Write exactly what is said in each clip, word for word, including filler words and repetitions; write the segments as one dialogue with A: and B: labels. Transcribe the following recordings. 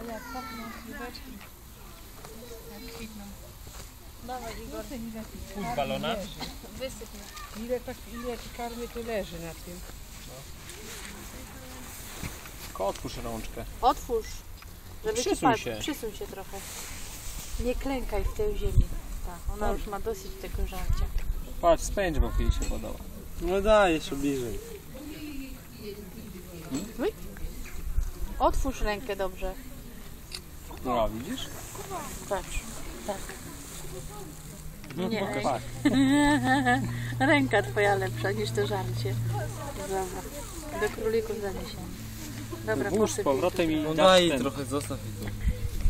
A: jak pachną śliweczki. Jak kwitną. Dawaj Igor.
B: Puść balona.
A: Wysyp mnie.
C: Ile, tak, ile karmy tu leży na tym?
B: Tylko otwórz rączkę.
A: Otwórz. Żeby
B: Przysuń
A: ci padł.
B: się.
A: Przysuń się trochę. Nie klękaj w tej ziemi. Tak, ona już ma dosyć tego żarcia.
B: Patrz, spędź, bo jej się podoba.
D: No daj, jeszcze bliżej.
A: Hmm? Otwórz rękę dobrze.
B: No, widzisz?
A: Patrz. Tak.
B: No,
A: Nie.
B: pokaż.
A: Ręka twoja lepsza niż to żarcie. Dobra. Do królików zaniesiemy. Dobra,
B: Włóż z
A: posyp
B: powrotem i
D: No
B: dasz
D: daj
B: ten.
D: trochę, zostaw ich tu.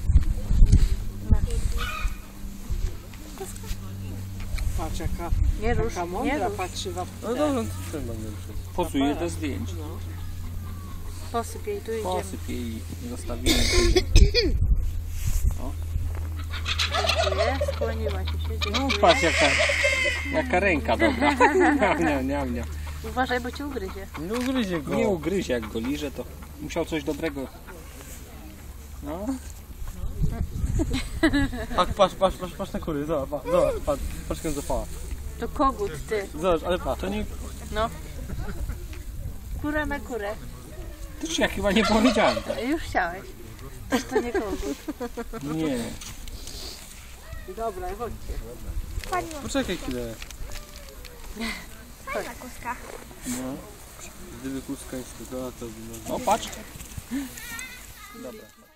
C: Patrz jaka,
A: Nie rusz,
C: jaka
A: nie
C: mądra
A: rusz.
C: patrzywa w
D: No dobrze, to ten będę przez.
B: Posuję do zdjęć.
C: No.
A: Posyp jej, tu idziemy.
B: Posyp jej i zostawimy.
A: Dziękuję, skłoniła ci się,
B: No
A: dziękuję.
B: patrz jaka, jaka ręka dobra. Miam, miam, miam, miam.
A: Uważaj, bo ci ugryzie.
D: Nie ugryzie go.
B: Nie ugryzie, jak go liże, to musiał coś dobrego. No.
D: Patrz, patrz, patrz, patrz, patrz na kury, zobacz, patrz, zobacz, patrz, patrz jak zapała.
A: To kogut, ty.
D: Zobacz, ale patrz.
B: To nie.
A: No. Kura na kurę.
B: To ci ja chyba nie powiedziałem tak.
A: Już chciałeś. Też to nie kogut.
B: Nie.
C: Dobra, chodźcie.
D: Poczekaj chwilę.
A: Chodź.
B: No.
D: Gdyby kuska nie skakała, to by...
B: No patrz. Dobra.